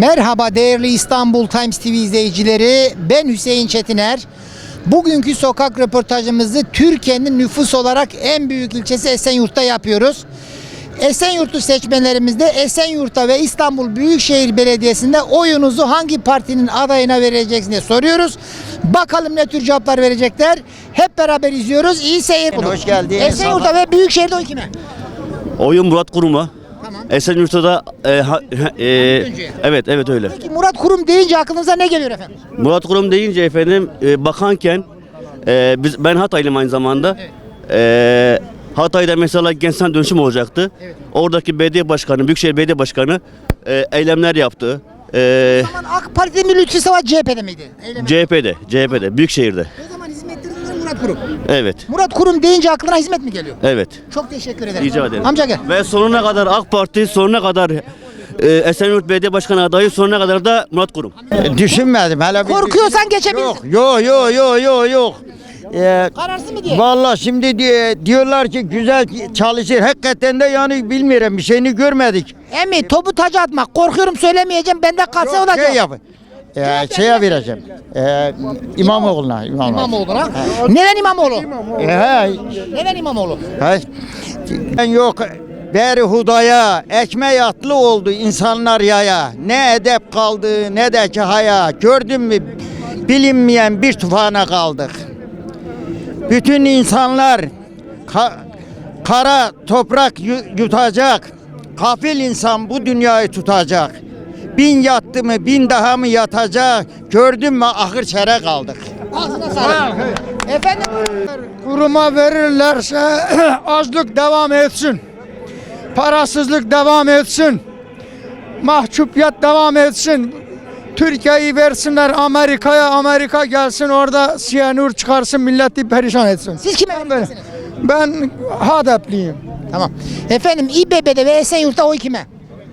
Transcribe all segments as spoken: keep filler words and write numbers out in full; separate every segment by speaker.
Speaker 1: Merhaba değerli İstanbul Times T V izleyicileri, ben Hüseyin Çetiner. Bugünkü sokak röportajımızı Türkiye'nin nüfus olarak en büyük ilçesi Esenyurt'ta yapıyoruz. Esenyurt'u seçmenlerimizde Esenyurt'ta ve İstanbul Büyükşehir Belediyesi'nde oyunuzu hangi partinin adayına vereceksiniz diye soruyoruz. Bakalım ne tür cevaplar verecekler. Hep beraber izliyoruz. İyi seyirler.
Speaker 2: Hoş geldiniz.
Speaker 1: Esenyurt'ta ve Büyükşehir'de oy kime?
Speaker 3: Oyun Murat Kurum'a.
Speaker 1: Tamam.
Speaker 3: Esenyurt'ta da e, ha- e, evet evet öyle.
Speaker 1: Peki Murat Kurum deyince aklınıza ne geliyor efendim?
Speaker 3: Murat Kurum deyince efendim e, bakanken e, biz ben Hataylıyım aynı zamanda. E, Hatay'da mesela gençler dönüşüm olacaktı.
Speaker 1: Evet.
Speaker 3: Oradaki belediye başkanı, Büyükşehir Belediye Başkanı e, eylemler yaptı. E,
Speaker 1: O zaman AK Parti'de mi Lütfi Savaş C H P'de miydi? Eyleme.
Speaker 3: C H P'de, C H P'de, Büyükşehir'de.
Speaker 1: O zaman hizmetlerinde Murat Kurum.
Speaker 3: Evet,
Speaker 1: Murat Kurum deyince aklına hizmet mi geliyor?
Speaker 3: evet.
Speaker 1: Çok teşekkür ederim.
Speaker 3: Rica ederim.
Speaker 1: Amca gel.
Speaker 3: Ve sonuna kadar AK Parti, sonuna kadar e, Esenyurt Belediye Başkanı adayı, sonuna kadar da Murat Kurum.
Speaker 2: E, Düşünmedim hele. bir-
Speaker 1: Korkuyorsan geçebilirsin.
Speaker 2: Yok yok yok yok yok yok. Ee,
Speaker 1: Kararsız mı diye?
Speaker 2: Vallahi şimdi diye, diyorlar ki güzel çalışır. Hakikaten de yani bilmiyorum, bir şeyini görmedik.
Speaker 1: Emmi topu taca atmak. Korkuyorum söylemeyeceğim. Bende kalsa olacak.
Speaker 2: Şey yap. Ee, şeye vereceğim. Ee, İmamoğlu'na. İmamoğlu.
Speaker 1: İmamoğlu'na. Neden İmamoğlu?
Speaker 2: Ee, he,
Speaker 1: Neden İmamoğlu?
Speaker 2: he. Ben yok. Beri hudaya, ekmeği atlı oldu insanlar yaya. Ne edep kaldı, ne de ki haya. Gördün mü, bilinmeyen bir tufana kaldık. Bütün insanlar ka- kara toprak yu- yutacak. Kafil insan bu dünyayı tutacak. Bin yattı mı, bin daha mı yatacak? Gördün mü, ahır çere kaldık.
Speaker 1: Ağzına sağlık. Efendim?
Speaker 4: Kuruma verirlerse açlık devam etsin. Parasızlık devam etsin. Mahcupiyet devam etsin. Türkiye'yi versinler Amerika'ya, Amerika gelsin orada siyanür çıkarsın, milleti perişan etsin.
Speaker 1: Siz kime vereceksiniz?
Speaker 4: Ben Hadepliyim.
Speaker 1: Tamam. Efendim İBB'de ve Esenyurt'ta oy kime?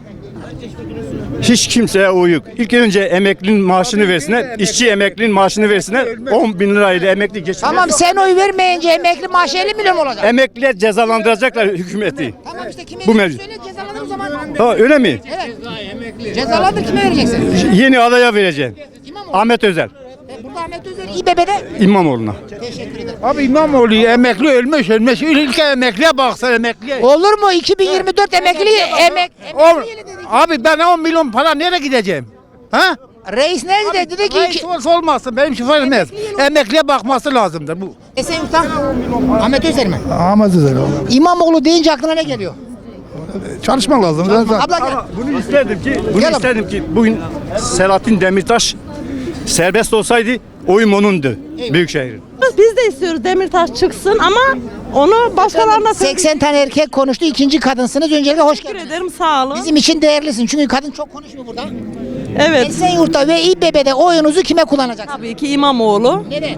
Speaker 5: Hiç kimseye oy yok. İlk önce emeklinin maaşını versinler, işçi emeklinin maaşını versinler. on bin lirayla emekli geçinir.
Speaker 1: Tamam sen oy vermeyince emekli maaşı elli milyon olacak.
Speaker 5: Emekliler cezalandıracaklar hükümeti.
Speaker 1: Tamam işte kime
Speaker 5: Bu
Speaker 1: vereceksin?
Speaker 5: mevcut.
Speaker 1: Söyle cezalanır o zaman.
Speaker 5: Ha, öyle mi?
Speaker 1: Evet. Cezalandır kime vereceksin?
Speaker 5: Yeni adaya vereceğim.
Speaker 1: İmamoğlu.
Speaker 5: Ahmet Özel,
Speaker 1: E, Burada Ahmet Özer İBB'de.
Speaker 5: İmamoğlu'na.
Speaker 1: Teşekkür ederim.
Speaker 4: Abi İmamoğlu emekli ölmüş ölmüş. Ülke emekliye baksana emekliye.
Speaker 1: Olur mu? iki bin yirmi dört emekli emek. emekli yılı dedik.
Speaker 4: Abi ben on milyon para nereye gideceğim? Ha?
Speaker 1: Reis ne dedi? Dedi ki iki...
Speaker 4: olsa olmazsın, benim şoför etmez. Emekliye bakması lazımdır bu.
Speaker 1: Esenyurt'ta Ahmet Özer mi?
Speaker 4: Ahmet Özel
Speaker 1: İmamoğlu deyince aklına ne geliyor?
Speaker 4: Çalışmak lazım.
Speaker 1: Abla gel.
Speaker 5: Bunu isterdim ki, bunu
Speaker 1: Gel abi.
Speaker 5: isterdim ki bugün Selahattin Demirtaş serbest olsaydı oyum onundu. Büyükşehir'in.
Speaker 6: Biz de istiyoruz Demirtaş çıksın ama onu başkalarına
Speaker 1: seksen tane erkek konuştu. İkinci kadınsınız. Öncelikle hoş
Speaker 6: teşekkür
Speaker 1: geldiniz.
Speaker 6: ederim, sağ olun.
Speaker 1: Bizim için değerlisin. Çünkü kadın çok konuşmuyor burada.
Speaker 6: Evet.
Speaker 1: Esenyurt'ta ve İBB'de oyunuzu kime kullanacaksınız?
Speaker 6: Tabii ki İmamoğlu.
Speaker 1: Neden?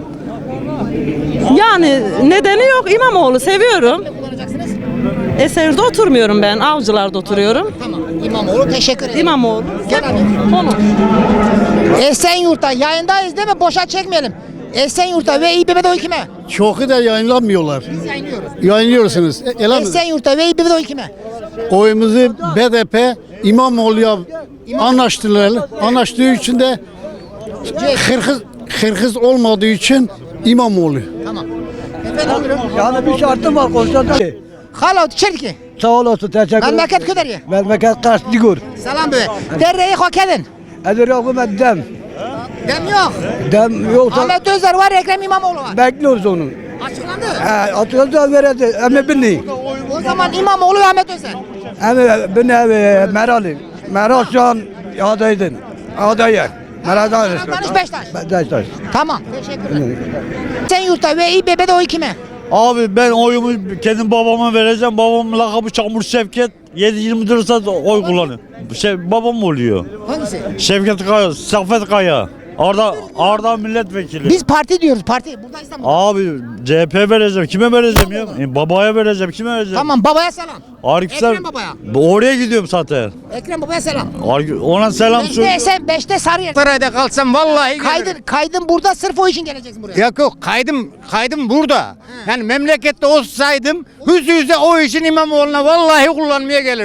Speaker 6: Yani nedeni yok, İmamoğlu seviyorum.
Speaker 1: Kullanacaksınız.
Speaker 6: Esenyurt'ta oturmuyorum ben, Avcılar'da oturuyorum.
Speaker 1: Tamam. İmamoğlu teşekkür ederim.
Speaker 6: İmamoğlu.
Speaker 1: Gel abi.
Speaker 6: Onu.
Speaker 1: Esenyurt'ta yayındayız değil mi? Boşa çekmeyelim. Esenyurt'ta ve İBB'de oy kime?
Speaker 7: Çoku da yayınlanmıyorlar.
Speaker 1: Biz yayınlıyoruz.
Speaker 7: Yayınlıyorsunuz. E, Elhamdülillah.
Speaker 1: Esenyurt'ta ve İBB'de oy kime?
Speaker 7: Oyumuzu B D P İmamoğlu'ya anlaştılar. Anlaştığı için de Kırgız, Kırgız olmadığı için İmamoğlu.
Speaker 1: Tamam. Efendim buyurun.
Speaker 8: Yani bir şartım var konuşacağım.
Speaker 1: Halo Çerki.
Speaker 8: Sağ olasın, teşekkür ederim.
Speaker 1: Memleket Köderye.
Speaker 8: Memleket Karsligur.
Speaker 1: Selam be. Derreyi hak edin.
Speaker 8: Edir yokum dem.
Speaker 1: Dem yok.
Speaker 8: Dem yoksa
Speaker 1: Ahmet Özer var, Ekrem İmamoğlu var.
Speaker 8: bekliyoruz onu.
Speaker 1: Açıklandı.
Speaker 8: He, atıyoruz da veredi. Emme bini.
Speaker 1: O zaman İmamoğlu ve Ahmet Özer.
Speaker 8: Emme bini evi Meral'i. Meral şu an adaydın. Adayı. Meral'dan
Speaker 1: Danış Beştaş.
Speaker 8: Beşiktaş.
Speaker 1: Tamam. Teşekkür ederim. Esenyurt'ta ve İBB'de oy kime?
Speaker 9: Abi ben oyumu kendi babama vereceğim. Babamın lakabı Çamur Şevket. yedi yirmi dört saat oy kullanıyor. Şey, babam oluyor.
Speaker 1: Hangisi?
Speaker 9: Şevket Kaya, Safet Kaya. Arda Arda milletvekili.
Speaker 1: Biz parti diyoruz, parti. Burada İstanbul'da.
Speaker 9: Abi C H P vereceğim. Kime vereceğim ya? E, babaya vereceğim. Kime vereceğim?
Speaker 1: Tamam, babaya selam.
Speaker 9: Arif Ser-
Speaker 1: Ekrem babaya.
Speaker 9: Oraya gidiyorum zaten.
Speaker 1: Ekrem babaya selam.
Speaker 9: Ar- Ona selam
Speaker 1: Beşte
Speaker 9: söyle.
Speaker 1: sen, beşte Sarıyer.
Speaker 4: Sarayda kalsam vallahi
Speaker 1: Kaydın, kaydın burada sırf o için geleceksin buraya.
Speaker 4: Yok yok, kaydım kaydım burada. Yani memlekette olsaydım yüz yüze o işin İmamoğlu'na vallahi kullanmaya gelirdim.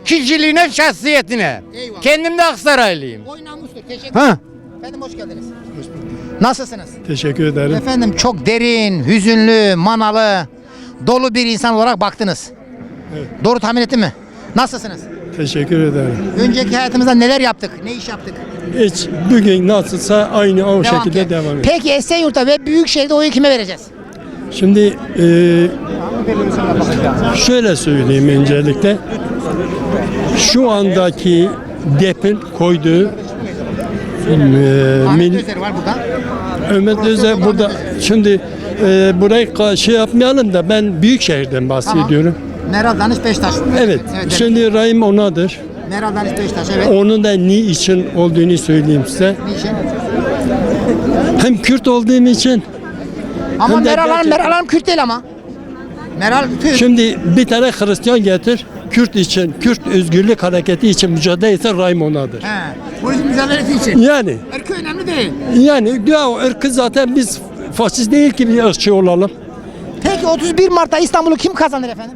Speaker 4: kişiliğine, şahsiyetine.
Speaker 1: Eyvallah.
Speaker 4: Kendim de Aksaraylıyım.
Speaker 1: Oy namustur. Teşekkür
Speaker 4: Ha.
Speaker 1: ederim. Efendim hoş geldiniz. Nasılsınız?
Speaker 5: Teşekkür ederim.
Speaker 1: Efendim çok derin, hüzünlü, manalı, dolu bir insan olarak baktınız. Doğru tahmin ettim mi? Nasılsınız?
Speaker 5: Teşekkür ederim.
Speaker 1: Önceki hayatımızda neler yaptık? Ne iş yaptık?
Speaker 5: Hiç bugün nasılsa aynı o
Speaker 1: Devam
Speaker 5: şekilde
Speaker 1: ki.
Speaker 5: devam ediyor.
Speaker 1: Peki Esenyurt'ta ve Büyükşehir'de oyu kime vereceğiz?
Speaker 5: Şimdi e, şöyle söyleyeyim öncelikle. Şu andaki DEP'in koyduğu e, mil,
Speaker 1: Özer var burada.
Speaker 5: Ömer Özer burada. Şimdi e, burayı ka- şey yapmayalım da ben Büyükşehir'den bahsediyorum.
Speaker 1: Meral Danış Beştaş.
Speaker 5: Evet.
Speaker 1: evet.
Speaker 5: Şimdi Rahim onadır.
Speaker 1: Meral Danış Beştaş evet.
Speaker 5: Onun da ni için olduğunu söyleyeyim size.
Speaker 1: Niçin?
Speaker 5: Hem Kürt olduğum için.
Speaker 1: Ama
Speaker 5: Hem de
Speaker 1: Meral Hanım,
Speaker 5: gerçekten-
Speaker 1: Meral Hanım Kürt değil ama. Meral Kürt.
Speaker 5: Şimdi bir tane Hristiyan getir. Kürt için, Kürt özgürlük hareketi için mücadele etse Rahim onadır.
Speaker 1: He. Bu yüzden mücadelesi için.
Speaker 5: Yani
Speaker 1: Erkek önemli değil.
Speaker 5: yani ya o ırkı zaten biz faşist değil ki bir ırkçı olalım.
Speaker 1: Peki otuz bir Mart'ta İstanbul'u kim kazanır efendim?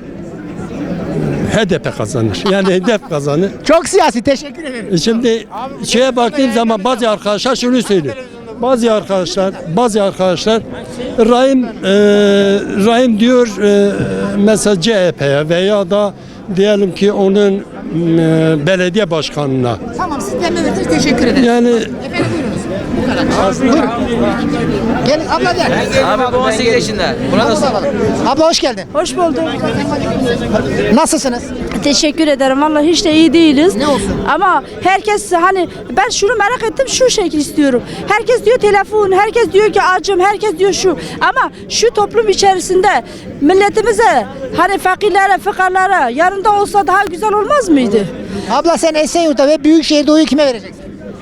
Speaker 5: H D P kazanır. Yani hedef kazanır.
Speaker 1: Çok siyasi. Teşekkür ederim.
Speaker 5: Şimdi şeye baktığım zaman bazı arkadaşlar şunu söylüyor. Bazı arkadaşlar, bazı arkadaşlar Rahim e, Rahim diyor e, mesela C H P'ye veya da diyelim ki onun e, belediye başkanına.
Speaker 1: Tamam siz de verdiniz. Teşekkür ederim.
Speaker 5: Yani
Speaker 1: Efendim buyurunuz. Bu kadar. Buyurun. Gelin abla gel.
Speaker 10: Abi bu on sekiz yaşında. Buna da sor.
Speaker 1: Abla hoş geldin.
Speaker 6: Hoş bulduk.
Speaker 1: Nasılsınız?
Speaker 6: Teşekkür ederim. Vallahi hiç de iyi değiliz.
Speaker 1: Ne olsun?
Speaker 6: Ama herkes hani ben şunu merak ettim şu şekil istiyorum. Herkes diyor telefon, herkes diyor ki acım, herkes diyor şu. Ama şu toplum içerisinde milletimize hani fakirlere, fıkarlara yanında olsa daha güzel olmaz mıydı?
Speaker 1: Abla sen Esenyurt'ta ve Büyükşehir'de oyu kime vereceksin?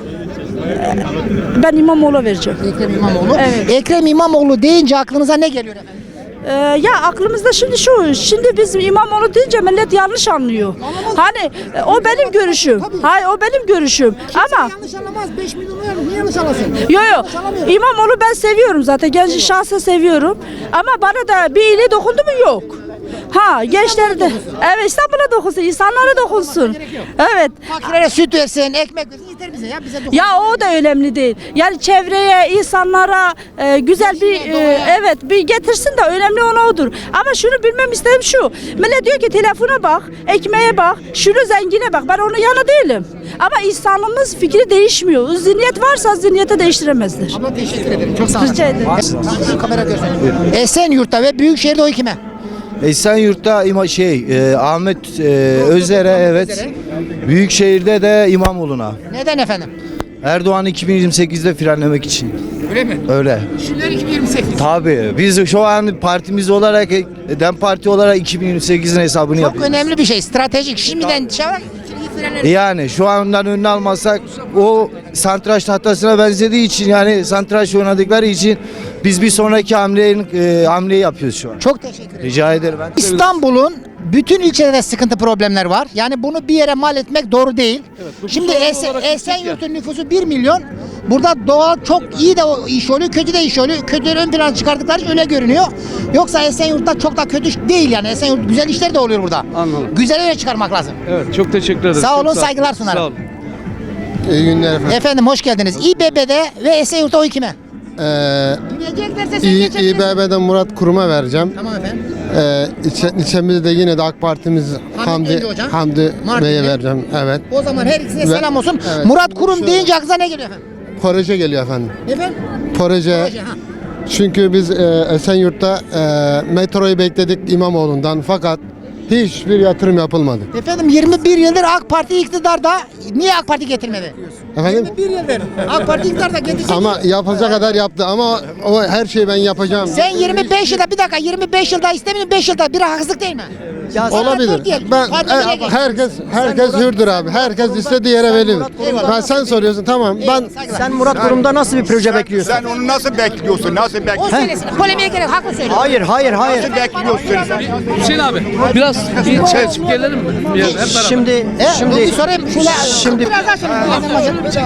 Speaker 6: Ben İmamoğlu vereceğim.
Speaker 1: Ekrem İmamoğlu.
Speaker 6: Evet.
Speaker 1: Ekrem İmamoğlu deyince aklınıza ne geliyor efendim?
Speaker 6: Ee, ya aklımızda şimdi şu, şimdi biz İmamoğlu deyince millet yanlış anlıyor. Hani e, o benim görüşüm. Hayır o benim görüşüm. Ama
Speaker 1: yanlış anlamaz. beş milyon niye yanlış anlasın?
Speaker 6: yo yo İmamoğlu ben seviyorum zaten. Genç şahsen seviyorum. Ama bana da bir iyiliği dokundu mu yok. Ha gençlere de. Evet İstanbul'a dokunsun, insanlara dokunsun. Evet.
Speaker 1: Fakirlere süt versin, ekmek versin yeter bize ya bize dokun.
Speaker 6: Ya o da önemli değil. Yani çevreye, insanlara e, güzel bir e, evet bir getirsin de önemli olan odur. Ama şunu bilmem istedim şu. Millet diyor ki telefona bak, ekmeğe bak, şunu zengine bak. Ben onun yana değilim. Ama insanımız fikri değişmiyor. Zihniyet varsa zihniyeti değiştiremezler.
Speaker 1: Abla teşekkür ederim. Çok sağ olun.
Speaker 6: Rica ederim.
Speaker 1: Şu kamera görsün. Esenyurt'ta ve Büyükşehir'de oy kime?
Speaker 11: Esenyurt'ta ima şey e, Ahmet e, Özer'e evet. Büyükşehir'de de İmamoğlu'na.
Speaker 1: Neden efendim?
Speaker 11: Erdoğan iki bin yirmi sekizde frenlemek için.
Speaker 1: Öyle mi?
Speaker 11: Öyle.
Speaker 1: Şimdiler iki bin yirmi sekiz.
Speaker 11: Tabii biz şu an partimiz olarak DEM Parti olarak iki bin yirmi sekizin hesabını
Speaker 1: Çok
Speaker 11: yapıyoruz.
Speaker 1: önemli bir şey. Stratejik. Şimdiden şey var.
Speaker 11: Yani şu andan önüne almazsak o santraç tahtasına benzediği için yani santraç oynadıkları için biz bir sonraki hamleyi, e, hamleyi yapıyoruz şu an.
Speaker 1: Çok teşekkür ederim.
Speaker 11: Rica ederim. Ben
Speaker 1: İstanbul'un bütün ilçelerinde sıkıntı problemler var. Yani bunu bir yere mal etmek doğru değil. Şimdi Esen, Esenyurt'un nüfusu bir milyon. Burada doğal çok iyi de o iş oluyor, kötü de iş oluyor. Kötüleri ön plana çıkardıkları için öyle görünüyor. Yoksa Esenyurt'ta çok da kötü değil yani. Esenyurt güzel işler de oluyor burada.
Speaker 12: Anladım.
Speaker 1: Güzel öyle çıkarmak lazım.
Speaker 12: Evet, çok teşekkür ederim.
Speaker 1: Sağ olun,
Speaker 12: Çok
Speaker 1: saygılar sunarım.
Speaker 12: Sağ olun.
Speaker 7: İyi günler efendim.
Speaker 1: Efendim hoş geldiniz. İBB'de ve Esenyurt'ta oy kime?
Speaker 7: Ee,
Speaker 1: Yürüyeceklerse sen
Speaker 7: İ-
Speaker 1: geçebilirsin.
Speaker 7: İBB'den Murat Kurum'a vereceğim.
Speaker 1: Tamam efendim.
Speaker 7: Ee, ilçe, ilçemizde de yine de AK Partimiz Hamdi,
Speaker 1: Hamdi Hocam.
Speaker 7: Hamdi
Speaker 1: Mardinli.
Speaker 7: Bey'e vereceğim. Evet.
Speaker 1: O zaman her ikisine
Speaker 7: Ve-
Speaker 1: selam olsun.
Speaker 7: evet.
Speaker 1: Murat Kurum
Speaker 7: Şu-
Speaker 1: deyince aklınıza ne geliyor efendim?
Speaker 7: Proje geliyor efendim.
Speaker 1: Efendim?
Speaker 7: Proje.
Speaker 1: Proje, ha.
Speaker 7: Çünkü biz e, Esenyurt'ta e, metroyu bekledik İmamoğlu'ndan fakat hiçbir yatırım yapılmadı.
Speaker 1: Efendim yirmi bir yıldır AK Parti iktidarda. Niye AK Parti getirmedi?
Speaker 7: Efendim?
Speaker 1: yirmi bir yıldır AK Parti iktidarda getirecek.
Speaker 7: Ama yapacak kadar yaptı ama o her şeyi ben yapacağım.
Speaker 1: Sen yirmi beş yılda bir dakika yirmi beş yılda istemiyorsun beş yılda bir haksızlık değil mi?
Speaker 7: Olabilir.
Speaker 1: Diyelim.
Speaker 7: Ben
Speaker 1: Hadi
Speaker 7: e,
Speaker 1: buraya gel.
Speaker 7: herkes herkes hürdür abi. Herkes istediği yere verilir. Ben sen soruyorsun tamam. Ben
Speaker 1: Sen
Speaker 2: Murat Kurum'da nasıl bir proje bekliyorsun?
Speaker 4: Sen onu nasıl bekliyorsun? Nasıl
Speaker 1: o
Speaker 4: bekliyorsun?
Speaker 1: söylesin. Polemiğe gerek haklı söylüyor.
Speaker 2: Hayır, hayır, hayır.
Speaker 4: Nasıl bekliyorsun sen?
Speaker 12: Hüseyin abi, biraz bir çay içip gelelim mi? Bir yer, hep beraber.
Speaker 2: Şimdi
Speaker 1: E,
Speaker 2: şimdi
Speaker 1: bir sorayım. Şöyle,
Speaker 2: şimdi
Speaker 1: biraz daha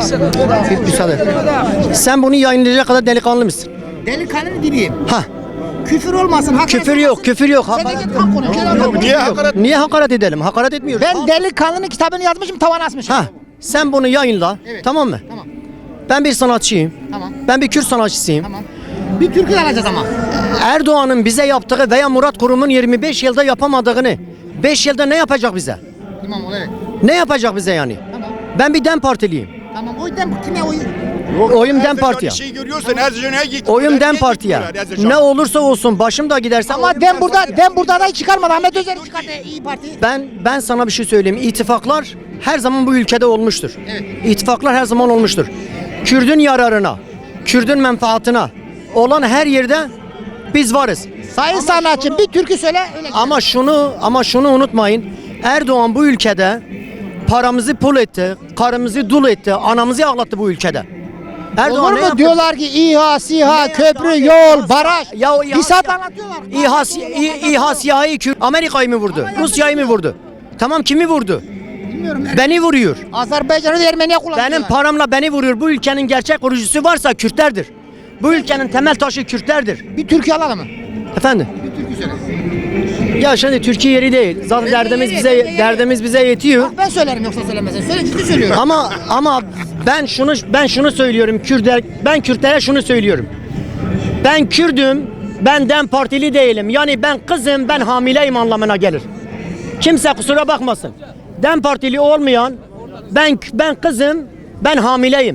Speaker 1: söyle.
Speaker 2: müsaade. Sen bunu yayınlayacak kadar delikanlı mısın?
Speaker 1: Delikanlı gibiyim.
Speaker 2: Ha.
Speaker 1: Küfür olmasın. hakaret
Speaker 13: Küfür yok,
Speaker 1: olmasın.
Speaker 13: küfür yok.
Speaker 1: Sen de git tam konuş. Gel anlat.
Speaker 13: Niye hakaret? Niye hakaret edelim? Hakaret etmiyoruz.
Speaker 1: Ben Delikanlı'nın kitabını yazmışım, tavana asmışım.
Speaker 13: Ha, sen bunu yayınla.
Speaker 1: Evet.
Speaker 13: Tamam mı?
Speaker 1: Tamam.
Speaker 13: Ben bir sanatçıyım.
Speaker 1: Tamam.
Speaker 13: Ben bir Kürt sanatçısıyım.
Speaker 1: Tamam. Bir türkü de alacağız ama.
Speaker 13: Erdoğan'ın bize yaptığı veya Murat Kurum'un yirmi beş yılda yapamadığını beş yılda ne yapacak bize?
Speaker 1: İmamoğlu evet.
Speaker 13: Ne yapacak bize yani?
Speaker 1: Tamam.
Speaker 13: Ben bir DEM Partiliyim.
Speaker 1: Tamam. O yüzden kime oy?
Speaker 13: Oyum DEM Parti'ye.
Speaker 14: Şey görüyorsun Erzincan'a git.
Speaker 13: Oyum DEM Parti'ye. Ne olursa olsun başım da giderse
Speaker 1: Ama dem burada dem burada aday çıkarmadı. Ahmet Özer'i çıkarttı İyi Parti.
Speaker 13: Ben ben sana bir şey söyleyeyim. İttifaklar her zaman bu ülkede olmuştur.
Speaker 1: Evet.
Speaker 13: İttifaklar her zaman olmuştur. Kürdün yararına, Kürdün menfaatine olan her yerde biz varız.
Speaker 1: Sayın sanatçı bir türkü söyle öyle.
Speaker 13: Ama şunu ama şunu unutmayın. Erdoğan bu ülkede paramızı pul etti, karımızı dul etti, anamızı ağlattı bu ülkede. Erdoğan
Speaker 1: Olur
Speaker 13: ne
Speaker 1: mu
Speaker 13: yaptı?
Speaker 1: diyorlar ki İHA, SİHA,
Speaker 13: Ne
Speaker 1: köprü,
Speaker 13: yaptı?
Speaker 1: yol, baraj.
Speaker 13: Ya o İHA-
Speaker 1: Bir saat anlatıyorlar.
Speaker 13: İHA, İ- İHA siyahı Kürt Amerika'yı mı vurdu? Rusya'yı mı vurdu? Tamam kimi vurdu?
Speaker 1: Bilmiyorum.
Speaker 13: Beni vuruyor.
Speaker 1: Azerbaycan'ı da Ermeniye kullanıyorlar.
Speaker 13: Benim paramla beni vuruyor. Bu ülkenin gerçek kurucusu varsa Kürtlerdir. Bu ülkenin temel taşı Kürtlerdir.
Speaker 1: Bir türkü alalım mı?
Speaker 13: Efendim?
Speaker 1: Bir türkü söyle.
Speaker 13: Ya şimdi Türkiye yeri değil. Zaten derdimiz bize derdimiz bize yetiyor.
Speaker 1: Bak ben söylerim yoksa söylemezsin. Söyle ciddi söylüyorum.
Speaker 13: Ama ama ben şunu ben şunu söylüyorum Kürtler ben Kürtlere şunu söylüyorum. Ben Kürdüm. Ben DEM Partili değilim. Yani ben kızım, ben hamileyim anlamına gelir. Kimse kusura bakmasın. DEM Partili olmayan ben ben kızım, ben hamileyim.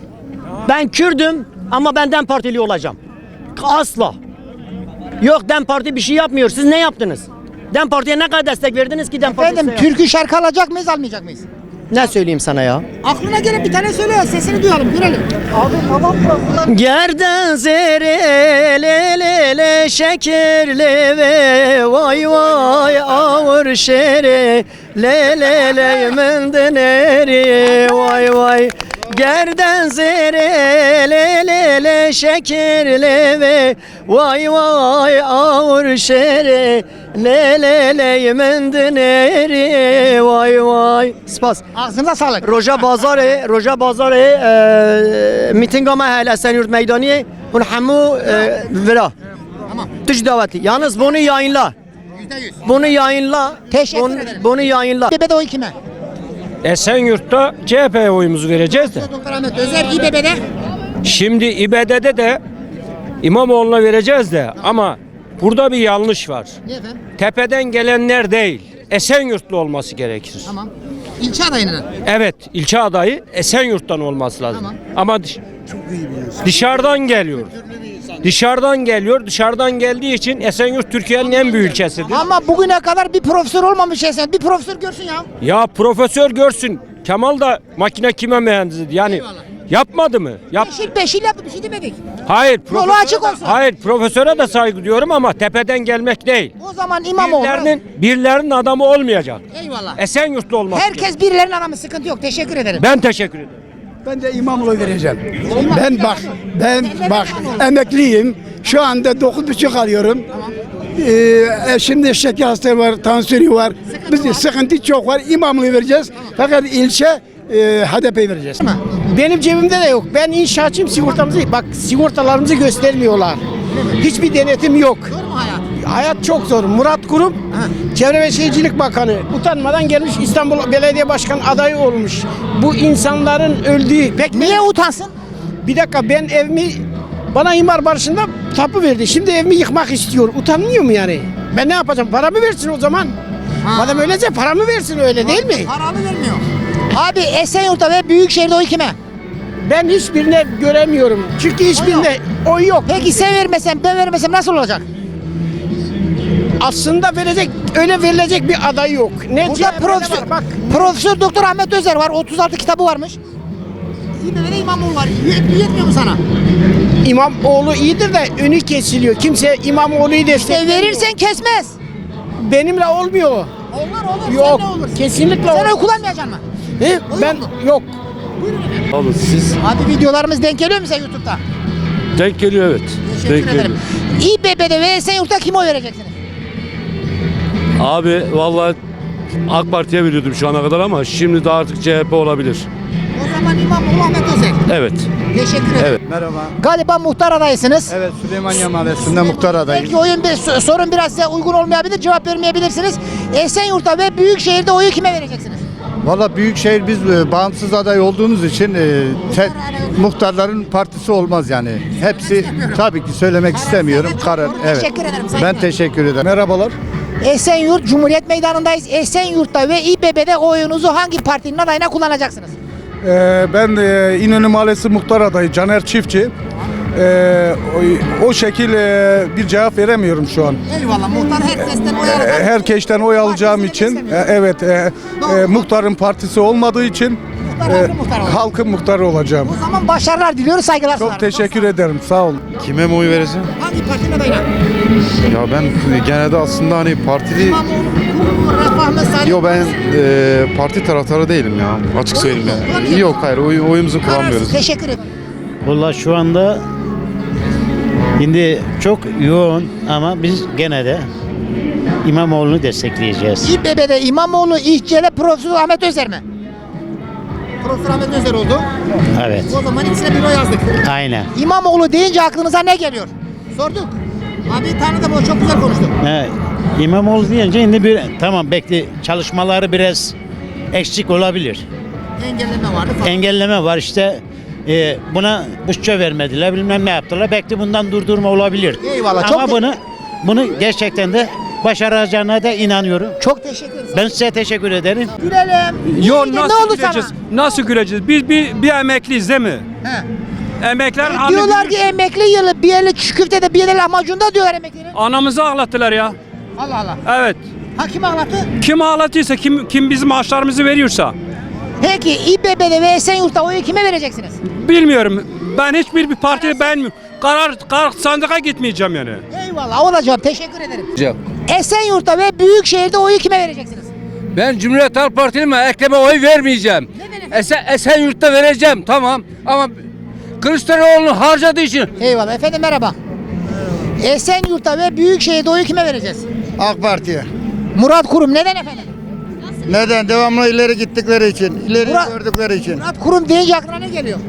Speaker 13: Ben Kürdüm ama ben DEM Partili olacağım. Asla. Yok DEM Parti bir şey yapmıyor. Siz ne yaptınız? DEM Parti'ye ne kadar destek verdiniz ki DEM Parti'ye?
Speaker 1: Efendim türkü şarkı alacak mıyız almayacak mıyız?
Speaker 13: Ne söyleyeyim sana ya?
Speaker 1: Aklına gelen bir tane söyle sesini duyalım görelim. Abi tamam mı?
Speaker 13: Gerden zerele le le şekerle ve vay vay ağır şere le le le mendeneri vay vay gerden zerele le le şekerle ve vay vay ağır şere le le le mendeneri vay vay spas
Speaker 1: Ağzınıza sağlık.
Speaker 13: Roja Bazarı, Roja Bazarı e, mitinga mahalle Esenyurt Meydaniye hun hamu e, vira.
Speaker 1: Tamam.
Speaker 13: Tuş daveti. Yalnız bunu yayınla.
Speaker 1: yüzde yüz.
Speaker 13: Bunu yayınla.
Speaker 1: Teşekkür
Speaker 13: bunu,
Speaker 1: ederim.
Speaker 13: bunu yayınla.
Speaker 1: İBB'de oy kime?
Speaker 5: Esenyurt'ta C H P'ye oyumuzu vereceğiz de.
Speaker 1: Doktor Ahmet Özer İBB'de.
Speaker 5: Şimdi İBB'de de İmamoğlu'na vereceğiz de ama burada bir yanlış var.
Speaker 1: Niye efendim?
Speaker 5: Tepeden gelenler değil, Esenyurtlu olması gerekir.
Speaker 1: Tamam. İlçe adayının.
Speaker 5: Evet, ilçe adayı Esenyurt'tan olması lazım.
Speaker 1: Tamam.
Speaker 5: Ama dış- dışarıdan geliyor. Dışarıdan geliyor. Dışarıdan geldiği için Esenyurt Türkiye'nin en büyük ilçesidir.
Speaker 1: Ama bugüne kadar bir profesör olmamış Esen. Bir profesör görsün ya.
Speaker 5: Ya profesör görsün. Kemal da makine kime mühendisidir. Yani
Speaker 1: Eyvallah.
Speaker 5: yapmadı mı? Yap.
Speaker 1: Beşil beşil yaptı bir şey demedik.
Speaker 5: Hayır.
Speaker 1: Yolu
Speaker 5: profesöre
Speaker 1: açık
Speaker 5: de-
Speaker 1: olsun.
Speaker 5: Hayır, profesöre de saygı duyuyorum ama tepeden gelmek değil.
Speaker 1: O zaman İmamoğlu.
Speaker 5: Birilerinin, birilerinin adamı olmayacak.
Speaker 1: Eyvallah.
Speaker 5: Esenyurtlu olmak.
Speaker 1: Herkes birilerinin adamı sıkıntı yok. Teşekkür ederim.
Speaker 5: Ben teşekkür ederim.
Speaker 8: Ben de İmamoğlu vereceğim. Ben bak, ben bak emekliyim. Şu anda dokuz buçuk alıyorum. Ee, şimdi şeker hastalığı var, tansiyonu var. Biz sıkıntı çok var. İmamoğlu vereceğiz. Fakat ilçe e, H D P vereceğiz.
Speaker 4: Benim cebimde de yok. Ben inşaatçıyım, sigortamızı bak sigortalarımızı göstermiyorlar. Hiçbir denetim yok.
Speaker 1: Zor mu hayat?
Speaker 4: Hayat çok zor. Murat Kurum, Çevre ve Şehircilik Bakanı utanmadan gelmiş İstanbul Belediye Başkanı adayı olmuş. Bu insanların öldüğü pek
Speaker 1: Niye utansın?
Speaker 4: bir dakika ben evimi bana imar barışında tapu verdi. Şimdi evimi yıkmak istiyor. Utanmıyor mu yani? Ben ne yapacağım? Paramı versin o zaman. Madem öyleyse paramı versin öyle değil mi?
Speaker 1: Paranı vermiyor. Abi Esenyurt'ta ve Büyükşehir'de oy kime?
Speaker 4: Ben hiçbirine göremiyorum. Çünkü hiçbirinde oy yok.
Speaker 1: Peki sen vermesen ben vermesem nasıl olacak?
Speaker 4: Aslında verecek öyle verilecek bir aday yok. Ne
Speaker 1: Burada
Speaker 4: C H P'de
Speaker 1: profesör,
Speaker 4: var, bak.
Speaker 1: Profesör Doktor Ahmet Özer var. otuz altı kitabı varmış. İBB'de İmamoğlu var. Yetmiyor, yetmiyor mu sana?
Speaker 4: İmamoğlu iyidir de önü kesiliyor. Kimse İmamoğlu'yu
Speaker 1: İşte
Speaker 4: desteklemiyor.
Speaker 1: verirsen kesmez.
Speaker 4: Benimle olmuyor.
Speaker 1: Olur olur.
Speaker 4: Yok.
Speaker 1: Sen ne olur?
Speaker 4: Kesinlikle
Speaker 1: Sen
Speaker 4: olmaz.
Speaker 1: oy kullanmayacaksın mı?
Speaker 4: He? Ben
Speaker 1: mu?
Speaker 4: yok.
Speaker 12: Abi siz
Speaker 1: Abi videolarımız denk geliyor mu sen YouTube'da?
Speaker 12: denk geliyor evet.
Speaker 1: Teşekkür
Speaker 12: Denk
Speaker 1: ederim.
Speaker 12: geliyor.
Speaker 1: İBB'de ve Esenyurt'ta kime oy vereceksiniz?
Speaker 12: Abi vallahi AK Parti'ye veriyordum şu ana kadar ama şimdi de artık C H P olabilir.
Speaker 1: O zaman İmamoğlu, Ahmet Özer.
Speaker 12: Evet.
Speaker 1: Teşekkür ederim.
Speaker 12: Evet.
Speaker 7: Merhaba.
Speaker 1: Galiba muhtar adaysınız.
Speaker 7: Evet, Süleymaniye Mahallesi'nde muhtar adayım.
Speaker 1: Belki oyun bir so- sorun biraz size uygun olmayabilir, cevap vermeyebilirsiniz. Esenyurt'ta ve Büyükşehir'de oyu kime vereceksiniz?
Speaker 7: Valla Büyükşehir biz e, bağımsız aday olduğumuz için e, te- muhtarların partisi olmaz yani. Hepsi tabii ki söylemek istemiyorum.
Speaker 1: çok
Speaker 7: Karar.
Speaker 1: doğru.
Speaker 7: Evet.
Speaker 1: Teşekkür ederim,
Speaker 7: Ben
Speaker 1: saygılar.
Speaker 7: teşekkür ederim. Merhabalar.
Speaker 1: Esenyurt Cumhuriyet Meydanı'ndayız. Esenyurt'ta ve İBB'de oyunuzu hangi partinin adayına kullanacaksınız?
Speaker 7: Ee, ben e, İnönü Mahallesi muhtar adayı Caner Çiftçi. Ee, o, o şekil e, bir cevap veremiyorum şu an.
Speaker 1: Eyvallah, muhtar herkesten oy
Speaker 7: E,
Speaker 1: alacak.
Speaker 7: Herkesten oy alacağım için, e, evet, e, e, muhtarın partisi olmadığı için
Speaker 1: Muhtar halkın muhtarı olacak.
Speaker 7: halkın muhtarı olacağım.
Speaker 1: O zaman başarılar diliyoruz, saygılar
Speaker 7: Çok
Speaker 1: sunarım.
Speaker 7: teşekkür ederim. Sağ olun.
Speaker 14: Kime mi oy vereceğim?
Speaker 1: Hangi partinin adayına?
Speaker 14: Ya ben genelde aslında hani partili...
Speaker 1: İmamoğlu, Refah mı, Salih
Speaker 14: Yo ben
Speaker 1: mi?
Speaker 14: e, parti taraftarı değilim ya. Açık söyleyeyim yani. Yok hayır oy, oyumuzu kullanmıyoruz.
Speaker 1: Teşekkür ederim.
Speaker 15: Valla şu anda şimdi çok yoğun ama biz gene de İmamoğlu'nu destekleyeceğiz.
Speaker 1: İBB'de İmamoğlu, İHC'de Profesör Ahmet Özer mi? Profesör Ahmet Özer oldu.
Speaker 15: Evet.
Speaker 1: O zaman ikisine bir oy yazdık.
Speaker 15: Aynen.
Speaker 1: İmamoğlu deyince aklınıza ne geliyor? Sorduk. Abi tanıdım, o çok güzel konuştu.
Speaker 15: He, İmamoğlu deyince şimdi bir tamam bekle çalışmaları biraz eksik olabilir.
Speaker 1: Engelleme vardı falan.
Speaker 15: Engelleme var işte e, buna bütçe vermediler bilmem ne yaptılar. Belki bundan durdurma olabilir.
Speaker 1: Eyvallah,
Speaker 15: Ama
Speaker 1: çok te-
Speaker 15: bunu bunu gerçekten de başaracağına da inanıyorum.
Speaker 1: Çok teşekkür ederim.
Speaker 15: Ben size teşekkür ederim.
Speaker 1: Gülelim.
Speaker 12: Yo
Speaker 1: İyi de
Speaker 12: nasıl
Speaker 1: ne oldu
Speaker 12: güleceğiz?
Speaker 1: sana?
Speaker 12: Nasıl güleceğiz? Biz bir, bir emekliyiz değil mi?
Speaker 1: He.
Speaker 12: Emekler
Speaker 1: E, diyorlar ki emekli yılı bir eli çüküfte bir eli lahmacunda diyorlar emeklilerin.
Speaker 12: Anamızı ağlattılar ya.
Speaker 1: Allah Allah.
Speaker 12: Evet.
Speaker 1: Ha, kim ağlattı?
Speaker 12: Kim ağlatıyorsa, kim kim bizim maaşlarımızı veriyorsa.
Speaker 1: Peki İBB'de ve Esenyurt'ta oyu kime vereceksiniz?
Speaker 12: Bilmiyorum. Ben hiçbir bir partiyi beğenmiyorum. Karar, karar sandığa gitmeyeceğim yani.
Speaker 1: Eyvallah, o da cevap. Teşekkür ederim. Esenyurt'ta ve Büyükşehir'de oyu kime vereceksiniz?
Speaker 16: Ben Cumhuriyet Halk Partili'me Ekrem'e oy vermeyeceğim. Esen, Esenyurt'ta vereceğim tamam ama Kılıçdaroğlu'nu harcadığı için.
Speaker 1: Eyvallah efendim, merhaba. Esenyurt'ta ve Büyükşehir'de oyu kime vereceğiz?
Speaker 2: AK Parti'ye.
Speaker 1: Murat Kurum, neden efendim?
Speaker 2: Neden? Devamlı ileri gittikleri için, ileri
Speaker 1: Murat-
Speaker 2: gördükleri için.
Speaker 1: Murat Kurum deyince aklına ne geliyor?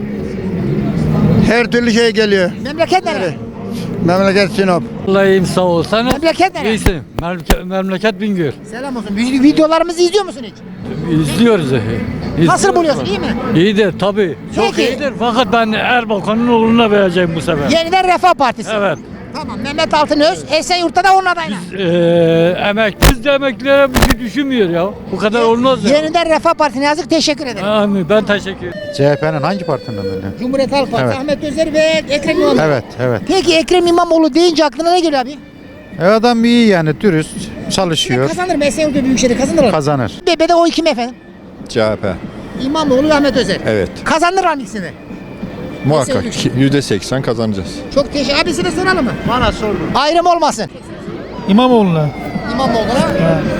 Speaker 2: Her türlü şey geliyor.
Speaker 1: Memleket nere?
Speaker 2: Memleket Sinop.
Speaker 5: Vallahi iyiyim, sağ ol. Sen
Speaker 1: Memleket nere?
Speaker 5: iyisin. Memleket, memleket Bingöl.
Speaker 1: Selam olsun. Biz videolarımızı izliyor musun hiç?
Speaker 5: İzliyoruz.
Speaker 1: Nasıl buluyorsun? İyi mi?
Speaker 5: İyidir tabii. Çok
Speaker 1: Peki.
Speaker 5: iyidir. Fakat ben Erbakan'ın oğluna vereceğim bu sefer.
Speaker 1: Yeniden Refah Partisi.
Speaker 5: Evet.
Speaker 1: Tamam. Mehmet Altınöz, Esenyurt'ta da onun adayına.
Speaker 5: Ee, emek, biz de emeklilere bir şey düşünmüyor ya. Bu kadar olmaz ya.
Speaker 1: Yeniden Refah Partisi'ne yazık. Teşekkür ederim.
Speaker 5: Amin, ben teşekkür ederim.
Speaker 14: C H P'nin hangi partinin adayı?
Speaker 1: Cumhuriyet Halk Partisi,
Speaker 14: Evet.
Speaker 1: Ahmet Özer ve Ekrem İmamoğlu.
Speaker 14: Evet evet.
Speaker 1: Peki Ekrem İmamoğlu deyince aklına ne geliyor abi?
Speaker 14: E adam iyi yani dürüst çalışıyor.
Speaker 1: Kazanır mı? Esenyurt'ta Büyükşehir'de kazanır mı?
Speaker 14: Kazanır.
Speaker 1: İBB'de oy kim efendim?
Speaker 14: C H P.
Speaker 1: İmamoğlu ve Ahmet Özer.
Speaker 14: Evet.
Speaker 1: Kazanır mı ikisini?
Speaker 14: Muhakkak
Speaker 1: Esenyurt.
Speaker 14: yüzde seksen kazanacağız.
Speaker 1: Çok teşekkür. Abisine soralım mı?
Speaker 15: Bana sordu.
Speaker 1: Ayrım olmasın.
Speaker 5: İmamoğlu'na.
Speaker 1: İmamoğlu'na.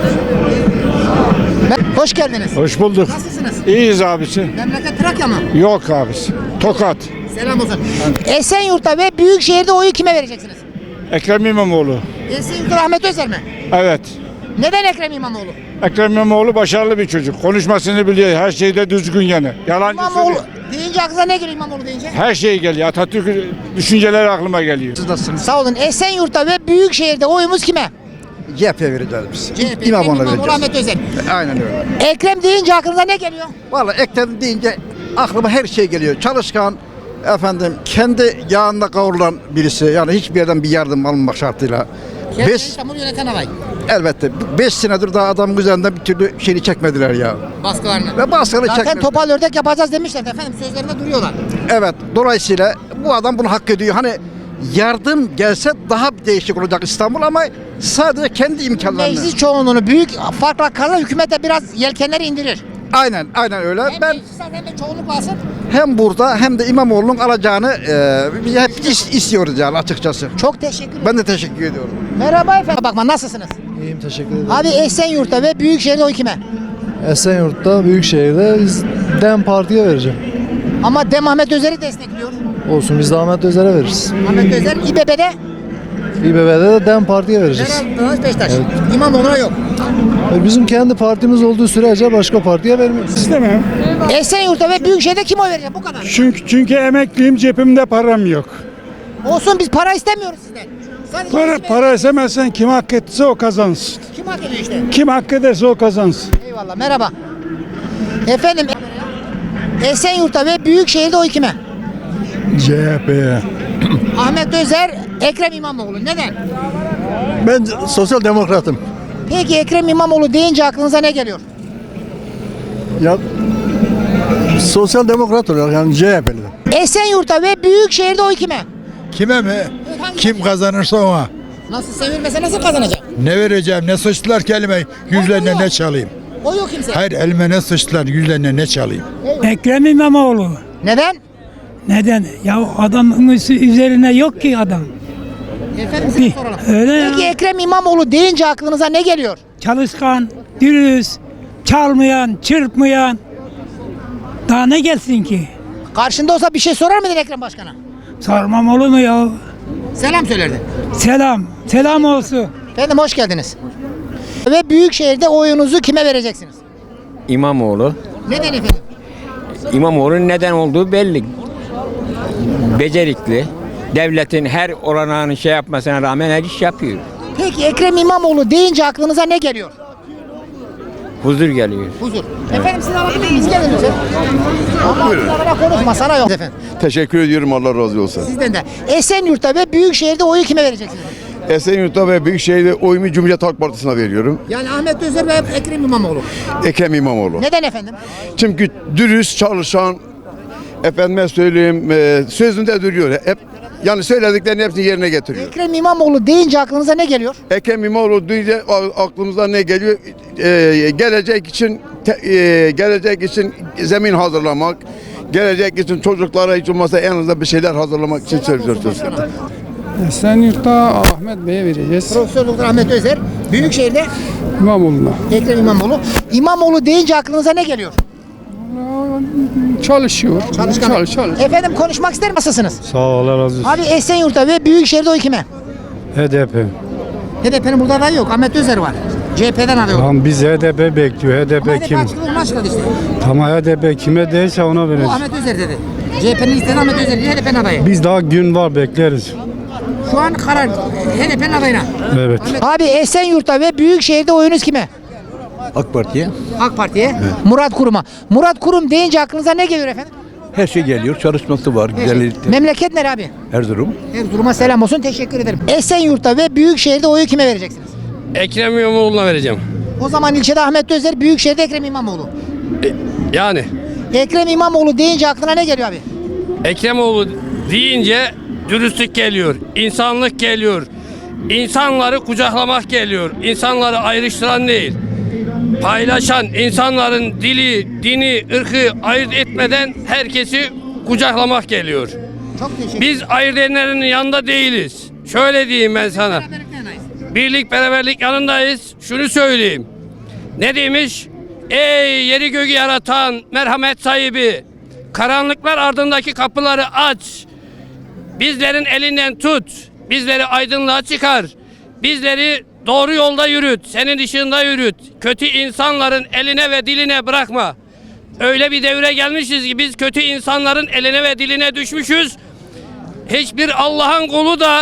Speaker 1: Ben- Hoş geldiniz.
Speaker 7: Hoş bulduk.
Speaker 1: Nasılsınız?
Speaker 7: İyiyiz abisi.
Speaker 1: Memleket Trakya mı?
Speaker 7: Yok abisi. Tokat.
Speaker 1: Selam olsun. Esenyurt'ta ve Büyükşehir'de oyu kime vereceksiniz?
Speaker 7: Ekrem İmamoğlu.
Speaker 1: Esenyurt'ta Ahmet Özer mi?
Speaker 7: Evet.
Speaker 1: Neden Ekrem İmamoğlu?
Speaker 7: Ekrem İmamoğlu başarılı bir çocuk. Konuşmasını biliyor. Her şeyde düzgün yani. Yalancı
Speaker 1: İmamoğlu deyince aklına ne geliyor İmamoğlu deyince?
Speaker 7: Her şey geliyor. Atatürk düşünceleri aklıma geliyor.
Speaker 1: Sağ olun. Esenyurt'ta ve Büyükşehir'de oyumuz kime?
Speaker 2: C H P vereceğiz biz.
Speaker 1: C H P, İmamoğlu, Ahmet Özer.
Speaker 2: Aynen öyle.
Speaker 1: Ekrem deyince aklınıza ne geliyor?
Speaker 2: Vallahi Ekrem deyince aklıma her şey geliyor. Çalışkan, efendim kendi yağında kavrulan birisi. Yani hiçbir yerden bir yardım alınmak şartıyla.
Speaker 1: Kendisi
Speaker 2: Beş,
Speaker 1: İstanbul'u yöneten aday.
Speaker 2: elbette. Beş senedir daha adamın üzerinden bir türlü şeyini çekmediler ya.
Speaker 1: Baskılarını.
Speaker 2: Ve baskını
Speaker 1: Zaten
Speaker 2: çekmediler.
Speaker 1: topal ördek yapacağız demişler efendim. Sözlerinde duruyorlar.
Speaker 2: Evet. Dolayısıyla bu adam bunu hak ediyor. Hani yardım gelse daha değişik olacak İstanbul ama sadece kendi imkanlarını.
Speaker 1: Meclis çoğunluğunu büyük farkla kazan hükümete biraz yelkenleri indirir.
Speaker 2: Aynen, aynen öyle.
Speaker 1: Hem
Speaker 2: Ben
Speaker 1: meclis alsın hem de çoğunluk alsın.
Speaker 2: hem burada hem de İmamoğlu'nun alacağını e, biz hep is- istiyoruz yani açıkçası.
Speaker 1: Çok teşekkür ederim.
Speaker 2: Ben de teşekkür ediyorum.
Speaker 1: Merhaba efendim. Bakma, nasılsınız?
Speaker 7: İyiyim teşekkür ederim.
Speaker 1: Abi Esenyurt'ta ve Büyükşehir'de oy kime?
Speaker 7: Esenyurt'ta Büyükşehir'de biz DEM Parti'ye vereceğim.
Speaker 1: Ama Dem Ahmet Özer'i destekliyor.
Speaker 7: Olsun biz de Ahmet Özer'e veririz.
Speaker 1: Ahmet Özer İBB'de
Speaker 7: İBB'de de DEM Parti'ye vereceğiz.
Speaker 1: Meral Beşiktaş. İmamoğlu'na yok.
Speaker 17: Bizim kendi partimiz olduğu sürece başka partiye vermeyiz.
Speaker 5: İstemem.
Speaker 1: Esenyurt'ta ve Büyükşehir'de kim oy verecek? Bu kadar.
Speaker 5: Çünkü çünkü emekliyim, cebimde param yok.
Speaker 1: Olsun, biz para istemiyoruz sizden. Sadece
Speaker 5: Para
Speaker 1: hizmet-
Speaker 5: para istemezsen kim hak etse o kazansın.
Speaker 1: Kim hak ediyor işte?
Speaker 5: Kim hak ederse o kazansın.
Speaker 1: Eyvallah, merhaba. Efendim, Esenyurt'ta ve Büyükşehir'de oy kime?
Speaker 5: C H P'ye.
Speaker 1: Ahmet Özer, Ekrem İmamoğlu. Neden?
Speaker 17: Ben sosyal demokratım.
Speaker 1: Peki Ekrem İmamoğlu deyince aklınıza ne geliyor?
Speaker 17: Ya sosyal demokrat olarak yani C H P'li.
Speaker 1: Esenyurt'ta ve Büyükşehir'de oy kime?
Speaker 7: Kime mi? Kim kazanırsa ona.
Speaker 1: Nasıl sevilmese nasıl kazanacak?
Speaker 7: Ne vereceğim? Ne sıçtılar ki elime? Yüzlerine ne çalayım?
Speaker 1: O yok kimse.
Speaker 7: Hayır, elime ne sıçtılar? Yüzlerine ne çalayım?
Speaker 12: Ekrem İmamoğlu.
Speaker 1: Neden?
Speaker 12: Neden? Ya adamın üzerine yok ki adam.
Speaker 1: Efendim size soralım.
Speaker 12: Öyle ya.
Speaker 1: Peki Ekrem İmamoğlu deyince aklınıza ne geliyor?
Speaker 12: Çalışkan, dürüst, çalmayan, çırpmayan. Daha ne gelsin ki?
Speaker 1: Karşında olsa bir şey sorar mıydın Ekrem Başkan'a?
Speaker 12: Sormam olur mu ya?
Speaker 1: Selam söylerdin.
Speaker 12: Selam, selam olsun.
Speaker 1: Efendim hoş geldiniz. Ve Büyükşehir'de oyunuzu kime vereceksiniz?
Speaker 10: İmamoğlu.
Speaker 1: Neden efendim?
Speaker 10: İmamoğlu'nun neden olduğu belli. Becerikli. Devletin her olanağını şey yapmasına rağmen her iş yapıyor.
Speaker 1: Peki Ekrem İmamoğlu deyince aklınıza ne geliyor?
Speaker 10: Huzur geliyor.
Speaker 1: Huzur. Efendim siz alabilir miyiz? Gelin lütfen. Ama bana konuşma, sana yok efendim.
Speaker 7: Teşekkür ediyorum, Allah razı olsun.
Speaker 1: Sizden de. Esenyurt'ta ve Büyükşehir'de oyu kime vereceksiniz?
Speaker 7: Esenyurt'ta ve Büyükşehir'de oyumu Cumhuriyet Halk Partisi'ne veriyorum.
Speaker 1: Yani Ahmet Özer ve Ekrem İmamoğlu.
Speaker 7: Ekrem İmamoğlu.
Speaker 1: Neden efendim?
Speaker 7: Çünkü dürüst çalışan, efendime söyleyeyim, e, sözünde duruyor. Hep yani söylediklerinin hepsini yerine getiriyor.
Speaker 1: Ekrem İmamoğlu deyince aklınıza ne geliyor?
Speaker 7: Ekrem İmamoğlu duyunca a- aklımıza ne geliyor? E, gelecek için te- e, gelecek için zemin hazırlamak, gelecek için çocuklara hiç olmazsa en azından bir şeyler hazırlamak için söylüyoruz.
Speaker 5: Esenyurt'ta Ahmet Bey'e vereceğiz.
Speaker 1: Profesör Doktor Ahmet Özer. Büyükşehir'de
Speaker 5: İmamoğlu'na.
Speaker 1: Ekrem İmamoğlu. İmamoğlu deyince aklınıza ne geliyor?
Speaker 5: Çalışıyor.
Speaker 1: Çalışkan.
Speaker 5: Çalış, çalış.
Speaker 1: Efendim konuşmak ister misiniz?
Speaker 5: Sağ ol, Allah razı olsun.
Speaker 1: Abi Esenyurt'ta ve Büyükşehir'de oy kime?
Speaker 5: H D P.
Speaker 1: H D P'nin burada adayı yok. Ahmet Özer var. C H P'den aday yok.
Speaker 5: Tamam biz H D P bekliyor. H D
Speaker 1: Ama
Speaker 5: P
Speaker 1: H D P
Speaker 5: kim?
Speaker 1: açıkladı, onu açıkladı işte.
Speaker 5: Tamam H D P kime değilse ona
Speaker 1: Bu
Speaker 5: vereceğiz.
Speaker 1: Ahmet Özer dedi. C H P'nin istediği Ahmet Özer değil, H D P'nin adayı.
Speaker 5: Biz daha gün var bekleriz.
Speaker 1: Şu an karar H D P'nin adayına.
Speaker 5: Evet.
Speaker 1: Abi Esenyurt'ta ve Büyükşehir'de oyunuz kime?
Speaker 17: AK Parti'ye
Speaker 1: AK Parti'ye. Murat Kurum'a. Murat Kurum deyince aklınıza ne geliyor efendim?
Speaker 17: her şey geliyor. Çalışması var.
Speaker 1: Memleket nere abi?
Speaker 17: Erzurum.
Speaker 1: Erzurum'a selam olsun. Teşekkür ederim. Esenyurt'ta ve Büyükşehir'de oyu kime vereceksiniz?
Speaker 16: Ekrem İmamoğlu'na vereceğim.
Speaker 1: O zaman ilçede Ahmet Özer, Büyükşehir'de Ekrem İmamoğlu.
Speaker 16: Yani
Speaker 1: Ekrem İmamoğlu deyince aklına ne geliyor abi?
Speaker 16: Ekremoğlu deyince dürüstlük geliyor, insanlık geliyor, insanları kucaklamak geliyor, insanları ayrıştıran değil, paylaşan, insanların dili, dini, ırkı ayırt etmeden herkesi kucaklamak geliyor.
Speaker 1: Çok teşekkür
Speaker 16: Biz ayırt edenlerin yanında değiliz. Şöyle diyeyim ben sana. Birlik beraberlik yanındayız. Şunu söyleyeyim. Ne demiş? Ey yeri göğü yaratan merhamet sahibi, karanlıklar ardındaki kapıları aç. Bizlerin elinden tut. Bizleri aydınlığa çıkar. Bizleri doğru yolda yürüt. Senin ışığında yürüt. Kötü insanların eline ve diline bırakma. Öyle bir devre gelmişiz ki biz kötü insanların eline ve diline düşmüşüz. Hiçbir Allah'ın kulu da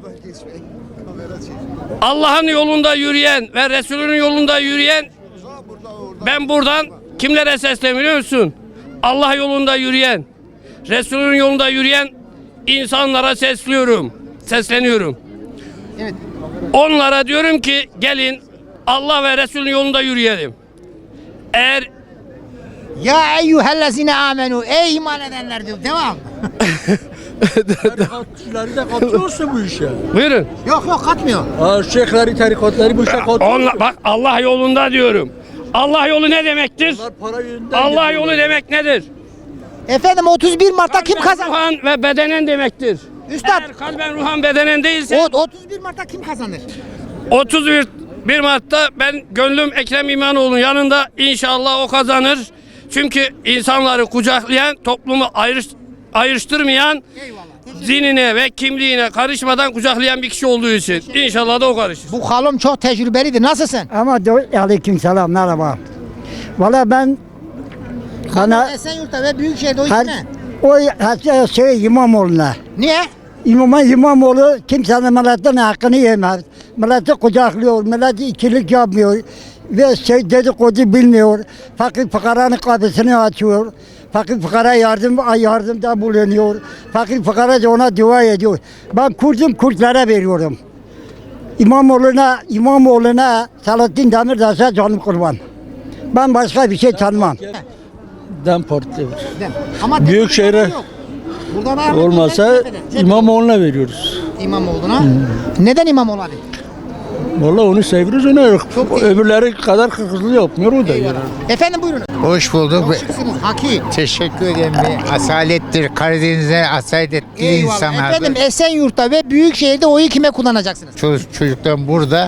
Speaker 16: Allah'ın yolunda yürüyen ve Resulünün yolunda yürüyen, ben buradan kimlere sesleniyorum biliyor musun? Allah yolunda yürüyen, Resulünün yolunda yürüyen insanlara sesliyorum, sesleniyorum.
Speaker 1: Evet.
Speaker 16: Onlara diyorum ki gelin Allah ve Resulünün yolunda yürüyelim. Eğer
Speaker 1: Ya eyyühellezine amenu, ey iman edenler diyor. Devam.
Speaker 17: Tarikatçıları da katıyorsa bu işe.
Speaker 16: buyurun.
Speaker 1: Yok yok katmıyor.
Speaker 17: Şeyhleri, tarikatları bu işe katıyorsa.
Speaker 16: Onla, bak Allah yolunda diyorum. Allah yolu ne demektir?
Speaker 17: Para yüzünden
Speaker 16: Allah
Speaker 17: geliyorlar.
Speaker 16: yolu demek nedir?
Speaker 1: Efendim otuz bir Mart'ta kim kazandı?
Speaker 16: Ruhan ve bedenen demektir.
Speaker 1: Üstad.
Speaker 16: Eğer kalben ruhan bedenen değilse
Speaker 1: O, otuz bir Mart'ta kim kazanır?
Speaker 16: otuz bir Mart'ta ben gönlüm Ekrem İmamoğlu'nun yanında, inşallah o kazanır. Çünkü insanları kucaklayan, toplumu ayrış, ayrıştırmayan,
Speaker 1: Eyvallah.
Speaker 16: dinine ve kimliğine karışmadan kucaklayan bir kişi olduğu için. İnşallah da o karışır.
Speaker 1: Bu halım çok tecrübelidir. Nasılsın?
Speaker 18: Ama aleyküm selam merhaba. Valla ben bana
Speaker 1: Esenyurt'ta ve Büyükşehir'de o
Speaker 18: her,
Speaker 1: kime?
Speaker 18: o her şey İmamoğlu'na.
Speaker 1: Niye?
Speaker 18: İmama İmamoğlu kimsenin milletin hakkını yemez. Milleti kucaklıyor, milleti ikilik yapmıyor. Ve şey dedikodu bilmiyor. Fakir fukaranın kapısını açıyor. Fakir fukara yardım, yardımda bulunuyor. Fakir fukara da ona dua ediyor. Ben Kürt'üm, Kürtlere veriyorum. İmamoğlu'na, İmamoğlu'na Selahattin Demirtaş'a canım kurban. Ben başka bir şey tanımam.
Speaker 5: Dem Parti var.
Speaker 1: Ama
Speaker 5: Büyükşehir'e
Speaker 1: yok. Burada var.
Speaker 5: olmasa İmamoğlu'na veriyoruz.
Speaker 1: İmamoğlu'na. Neden İmamoğlu abi?
Speaker 5: Vallahi onu seviyoruz, ona yok. Öbürleri kadar hızlı yapmıyor o da. Yani.
Speaker 1: Efendim buyurun.
Speaker 19: Hoş bulduk.
Speaker 1: Şıksınız. Haki.
Speaker 19: Teşekkür ederim. Bir asalettir. Karadeniz'e asaletli
Speaker 1: Eyvallah.
Speaker 19: insanlardır.
Speaker 1: Efendim Esenyurt'ta ve Büyükşehir'de oyu kime kullanacaksınız?
Speaker 19: Çocuk, çocuktan burada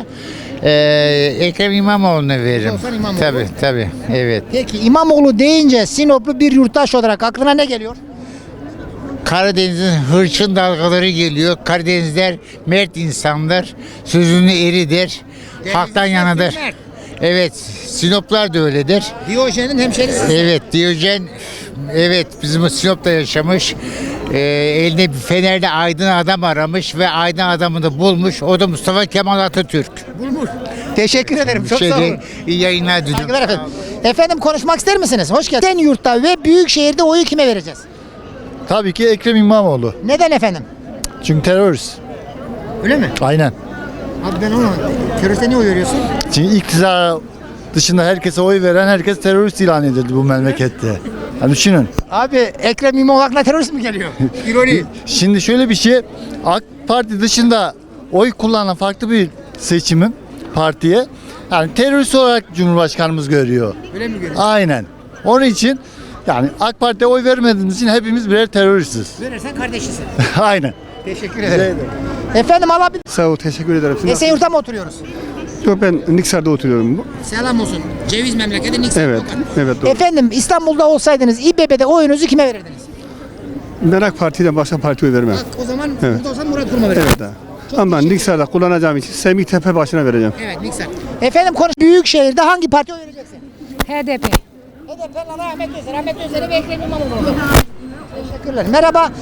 Speaker 19: eee Ekrem İmamoğlu'na veririm.
Speaker 1: Olsan İmamoğlu.
Speaker 19: Tabii tabii. Evet.
Speaker 1: Peki İmamoğlu deyince Sinoplu bir yurttaş olarak aklına ne geliyor?
Speaker 19: Karadeniz'in hırçın dalgaları geliyor. Karadenizler mert insanlar. Sözünü eridir. Halktan yanadır. Evet. Sinoplar da öyledir.
Speaker 1: Diyojen'in hemşerisi.
Speaker 19: Evet. Diyojen evet bizim Sinop'ta yaşamış. Ee, eline bir fenerle aydın adam aramış ve aydın adamını bulmuş. O da Mustafa Kemal Atatürk.
Speaker 1: Bulmuş. Teşekkür ederim. Çok
Speaker 19: Şey
Speaker 1: sağ olun.
Speaker 19: değil, iyi yayınlar diliyorum.
Speaker 1: Saygılar efendim. Efendim konuşmak ister misiniz? Hoş geldiniz. Esenyurt'ta ve Büyükşehir'de oyu kime vereceğiz?
Speaker 17: Tabii ki Ekrem İmamoğlu.
Speaker 1: Neden efendim?
Speaker 17: Çünkü terörist.
Speaker 1: Öyle mi?
Speaker 17: Aynen.
Speaker 1: Abi ben onu teröriste niye oy veriyorsun?
Speaker 17: Çünkü iktidar dışında herkese oy veren herkes terörist ilan edildi bu memlekette. Yani düşünün.
Speaker 1: Abi Ekrem İmamoğlu aklına terörist mi geliyor? İroni.
Speaker 17: Şimdi şöyle bir şey. AK Parti dışında oy kullanan farklı bir seçimin partiye yani terörist olarak Cumhurbaşkanımız görüyor.
Speaker 1: Öyle mi görüyor?
Speaker 17: Aynen. Onun için yani AK Parti'ye oy vermediğimiz için hepimiz birer teröristiz.
Speaker 1: Verirsen kardeşisin.
Speaker 17: Aynen.
Speaker 1: Teşekkür ederim. Efendim alabilir.
Speaker 17: Sağ ol, teşekkür ederim.
Speaker 1: Esenyurt'ta mı oturuyoruz?
Speaker 17: Yok, ben Niksar'da oturuyorum.
Speaker 1: Selam olsun. Ceviz memleketi Niksar.
Speaker 17: Evet, evet doğru.
Speaker 1: Efendim İstanbul'da olsaydınız İBB'de oyunuzu kime verirdiniz?
Speaker 17: Ben AK Parti'den başka partiye oy vermem.
Speaker 1: Bak o zaman
Speaker 17: Evet.
Speaker 1: burada olsan Murat Kurum'a verirdin.
Speaker 17: Evet. Ama ben Niksar'da kullanacağım için Semih Tepe başına vereceğim.
Speaker 1: Evet Niksar. Efendim konuş. Büyükşehir'de hangi partiye oy vereceksin?
Speaker 20: H D P.
Speaker 1: H D P, Ahmet Özer. Ahmet Özer'e ve Ekrem İmamoğlu. Teşekkürler. Merhaba.